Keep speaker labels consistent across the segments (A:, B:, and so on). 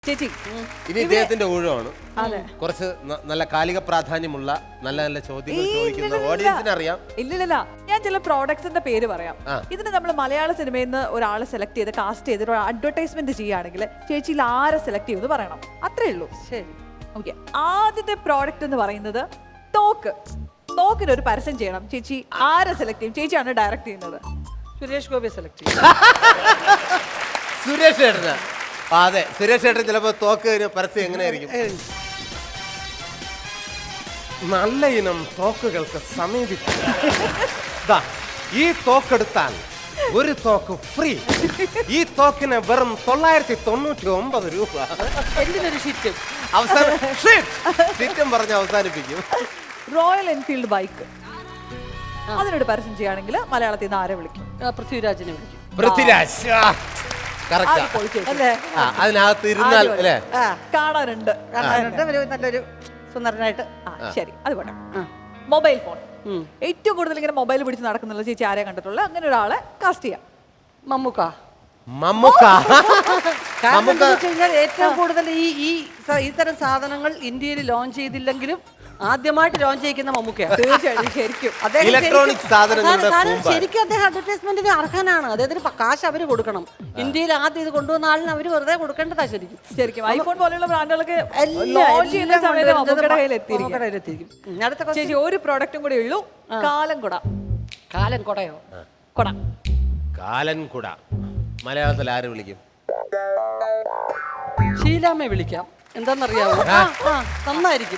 A: ചേച്ചി
B: ഇനി ഇദ്ദേഹത്തിന്റെ ഊഴമാണ്. കുറച്ച് നല്ല കാലിക പ്രാധാന്യമുള്ള നല്ല നല്ല ചോദ്യങ്ങൾ ചോദിക്കുന്ന ഓഡിയൻസിന് അറിയാം.
A: ഇല്ലില്ല, ഞാൻ ചില പ്രോഡക്ട്സിന്റെ പേര് പറയാം. ഇതിന് നമ്മൾ മലയാള സിനിമയിൽ നിന്ന് ഒരാളെ സെലക്ട് ചെയ്ത് കാസ്റ്റ് ചെയ്തിട്ട് ഒരു അഡ്വർടൈസ്മെന്റ് ചെയ്യുകയാണെങ്കിൽ ചേച്ചിയിൽ ആരെ സെലക്ട് ചെയ്യുമെന്ന് പറയണം. അത്രേ ഉള്ളൂ. ശരി, ഓക്കെ. ആദ്യത്തെ പ്രോഡക്റ്റ് എന്ന് പറയുന്നത് തോക്ക്. തോക്കിന് ഒരു പരസ്യം ചെയ്യണം. ചേച്ചി ആരെ സെലക്ട് ചെയ്യും? ചേച്ചിയാണ് ഡയറക്ട് ചെയ്യുന്നത്.
C: സുരേഷ് ഗോപി സെലക്ട് ചെയ്യും.
B: സുരേഷ് ഏട്ടന്. അതെ, സുരേഷ് ഏട്ടൻ ചിലപ്പോ തോക്ക് പരസ്യം എങ്ങനെയായിരിക്കും? നല്ല ഇനം തോക്കുകൾക്ക് സമീപിക്കുക. ഈ തോക്കെടുത്താൽ ഒരു തോക്ക് ഫ്രീ. ഈ തോക്കിന് വെറും 999 രൂപ.
C: എന്തിനൊരു ഷിറ്റും
B: ഷിറ്റും പറഞ്ഞ് അവസാനിപ്പിക്കും.
A: റോയൽ എൻഫീൽഡ് ബൈക്ക്, അതിനോട് പരസ്യം ചെയ്യുകയാണെങ്കിൽ മലയാളത്തിൽ നിന്ന് ആരെ വിളിക്കും?
C: പൃഥ്വിരാജിനെ വിളിക്കും.
B: പൃഥ്വിരാജ് അതിനകത്ത് ഇരുന്നാൽ അല്ലേ
A: കാണാനുണ്ട്.
C: നല്ലൊരു സുന്ദരനായിട്ട്.
A: ശരി, അത് പോട്ടെ. മൊബൈൽ ഫോൺ ഏറ്റവും കൂടുതൽ ഇങ്ങനെ മൊബൈൽ പിടിച്ച് നടക്കുന്നുള്ള ചേച്ചി ആരെ കണ്ടിട്ടുള്ള അങ്ങനെ ഒരാളെ കാസ്റ്റ് ചെയ്യാം?
C: മമ്മൂക്ക. ഏറ്റവും കൂടുതൽ ഇത്തരം സാധനങ്ങൾ ഇന്ത്യയിൽ ലോഞ്ച് ചെയ്തില്ലെങ്കിലും ആദ്യമായിട്ട് ലോഞ്ച് ചെയ്യിക്കുന്ന മമ്മൂക്കയാണ്.
A: തീർച്ചയായിട്ടും. ശരിക്കും
B: ഇലക്ട്രോണിക്
C: ശരിക്കും അദ്ദേഹം അഡ്വർടൈസ്മെന്റിന് അർഹനാണ്. അദ്ദേഹത്തിന് കാശ് അവര് കൊടുക്കണം. ഇന്ത്യയിൽ ആദ്യം ഇത് കൊണ്ടുവന്ന ആളിന് അവര് വെറുതെ കൊടുക്കേണ്ടതാ. ശരിക്കും
A: ശരിക്കും ഐഫോൺ പോലെയുള്ള ബ്രാൻഡുകളൊക്കെ ലോഞ്ച് ചെയ്യുന്ന സമയത്ത് മമ്മൂക്കയുടെ കയ്യിലെത്തിയിരിക്കും. ചേച്ചി ഒരു പ്രോഡക്റ്റും കൂടെ ഉള്ളൂ, കാലം കുട.
C: കാലൻ കുടയോ?
A: കുട.
B: കാലൻ കുട മലയാളത്തിൽ ആര് വിളിക്കും?
C: ഷീലാമ്മയെ വിളിക്കാം. എന്താന്നറിയാവോ? നന്നായിരിക്കും.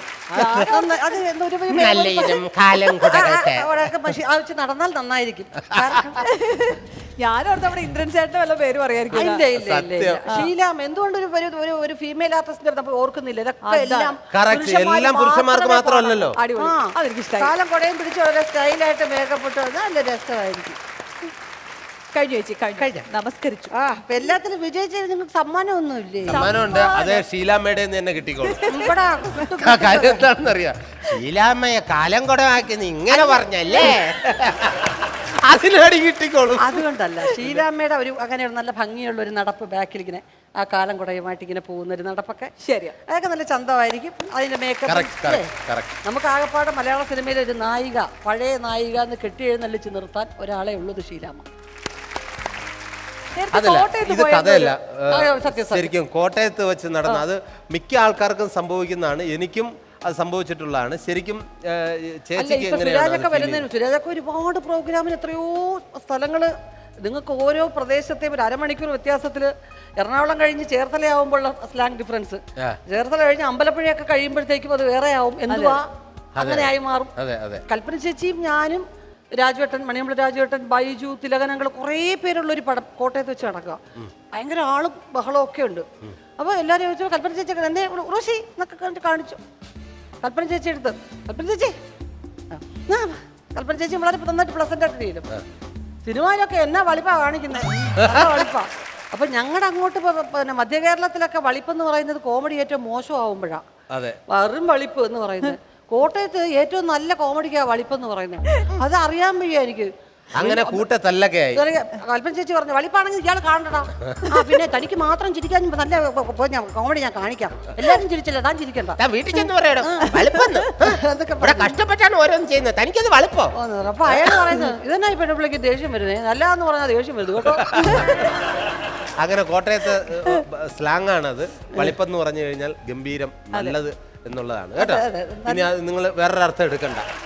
C: നടന്നാൽ നന്നായിരിക്കും.
A: ഞാനോർത്ത് നമ്മുടെ ഇന്ദ്രൻ ചേട്ടന്റെ വല്ല പേര് പറയായിരിക്കും.
C: ഇല്ല ഇല്ല ഇല്ല. ഷീലാമ്മ എന്തുകൊണ്ട് ഒരു ഫീമെയിൽ ആർട്ടിസ്റ്റിന്റെ നമ്മൾ ഓർക്കുന്നില്ല? ഇതൊക്കെ
B: എല്ലാം പുരുഷന്മാർക്ക് മാത്രമല്ലല്ലോ.
C: കാലം കുടയും പിടിച്ച് വളരെ സ്റ്റൈലായിട്ട് മേക്കപ്പ് ഇട്ട് നല്ല രസമായിരിക്കും.
A: കഴിഞ്ഞു ചേച്ചി, കഴിഞ്ഞു. നമസ്കരിച്ചു.
C: എല്ലാത്തിലും വിജയിച്ചത് നിങ്ങൾക്ക് സമ്മാനമൊന്നുമില്ലേ?
B: സമ്മാനമുണ്ട്. അതേ ഷീലാമ്മയുടെ തന്നെ കിട്ടിക്കോളും. കാര്യം എന്താണെന്നറിയാം, ഷീലാമ്മയെ കാലം കുടമാക്കി ഇങ്ങനെ പറഞ്ഞല്ലേ, അതിനടി കിട്ടിക്കോളും.
C: അതുകൊണ്ടല്ല, ഷീലാമ്മയുടെ ഒരു അങ്ങനെ നല്ല ഭംഗിയുള്ള ഒരു നടപ്പ് ബാക്കിൽ ഇങ്ങനെ ആ കാലം കുടയുമായിട്ട് ഇങ്ങനെ പോകുന്ന ഒരു നടപ്പൊക്കെ
A: ശരിയാ,
C: അതൊക്കെ നല്ല ചന്തമായിരിക്കും. അതിന്റെ മേക്കപ്പ് നമുക്ക് ആകെപ്പാടെ മലയാള സിനിമയിലെ ഒരു നായിക, പഴയ നായിക എന്ന് കെട്ടി എഴുന്നള്ളിച്ച് നിർത്താൻ ഒരാളെ ഉള്ളത് ഷീലാമ്മ.
B: അതല്ല, ഇത് കഥയല്ല. ശരിക്കും കോട്ടയത്ത് വെച്ച് നടന്ന, അത് മിക്ക ആൾക്കാർക്കും സംഭവിക്കുന്നതാണ്. എനിക്കും അത് സംഭവിച്ചിട്ടുള്ളതാണ്. ശരിക്കും ചേച്ചിക്ക്
C: സുരാജൊക്കെ ഒരുപാട് പ്രോഗ്രാമിന് എത്രയോ സ്ഥലങ്ങള്, നിങ്ങൾക്ക് ഓരോ പ്രദേശത്തെയും ഒരു അരമണിക്കൂർ വ്യത്യാസത്തിൽ. എറണാകുളം കഴിഞ്ഞ് ചേർത്തലയാവുമ്പോഴുള്ള സ്ലാങ് ഡിഫറൻസ്, ചേർത്തല കഴിഞ്ഞ് അമ്പലപ്പുഴയൊക്കെ കഴിയുമ്പോഴത്തേക്കും അത് വേറെ ആവും. എന്തുവാ അങ്ങനെ ആയി മാറും. കൽപ്പന ചേച്ചിയും ഞാനും രാജുവേട്ടൻ, മണിയമ്പള രാജുവേട്ടൻ, ബൈജു, തിലകനങ്ങൾ, കുറേ പേരുള്ള ഒരു പടം കോട്ടയത്ത് വെച്ച് നടക്കുക. ഭയങ്കര ആളും ബഹളവും ഒക്കെ ഉണ്ട്. അപ്പോൾ എല്ലാവരും ചോദിച്ചു, കൽപ്പന ചേച്ചി എന്നെ റോഷി എന്നൊക്കെ കണ്ടിട്ട് കാണിച്ചു. കൽപ്പന ചേച്ചി എടുത്ത്, കൽപ്പന ചേച്ചി കൽപ്പന ചേച്ചി വളരെ നന്നായിട്ട് പ്ലസന്റ് ആയിട്ട് ചെയ്യും. സിനിമയിലൊക്കെ എന്നാ വളിപ്പാ കാണിക്കുന്നത്, വളിപ്പാ. അപ്പൊ ഞങ്ങളുടെ അങ്ങോട്ട് പിന്നെ മധ്യ കേരളത്തിലൊക്കെ വളിപ്പെന്ന് പറയുന്നത് കോമഡി ഏറ്റവും മോശമാവുമ്പോഴാണ്. വെറും വളിപ്പ് എന്ന് പറയുന്നത്. കോട്ടയത്ത് ഏറ്റവും നല്ല കോമഡിക്കാ വളിപ്പെന്ന് പറയുന്നത്. അത് അറിയാൻ വയ്യ എനിക്ക്.
B: അങ്ങനെ കൂട്ടത്തല്ലൊക്കെ ആയി.
C: കൽപ്പന ചേച്ചി പറഞ്ഞു, വളിപ്പാണെങ്കിൽ ഇയാൾ കാണണ്ടടാ. പിന്നെ തനിക്ക് മാത്രം ചിരിക്കാൻ നല്ല കോമഡി ഞാൻ കാണിക്കാം. എല്ലാരും ചിരിച്ചില്ല, താൻ ചിരിക്കണ്ട.
B: വീട്ടിൽ ചെന്ന് പറയണം കഷ്ടപ്പെട്ടാണ് ഓരോന്നും ചെയ്യുന്നത്, തനിക്കത് വളിപ്പോ.
C: അപ്പൊ അയാൾ പറയുന്നത് ഇതെന്നാ ഈ പെണ്ണുപിള്ളിക്ക് ദേഷ്യം വരുന്നത്, നല്ലതെന്ന് പറഞ്ഞാൽ ദേഷ്യം വരുന്നത് കേട്ടോ.
B: അങ്ങനെ കോട്ടയത്ത് സ്ലാങ് ആണത്. വളിപ്പെന്ന് പറഞ്ഞു കഴിഞ്ഞാൽ ഗംഭീരം, നല്ലത് എന്നുള്ളതാണ് കേട്ടോ. ഇനി നിങ്ങൾ വേറൊരർത്ഥം എടുക്കണ്ട.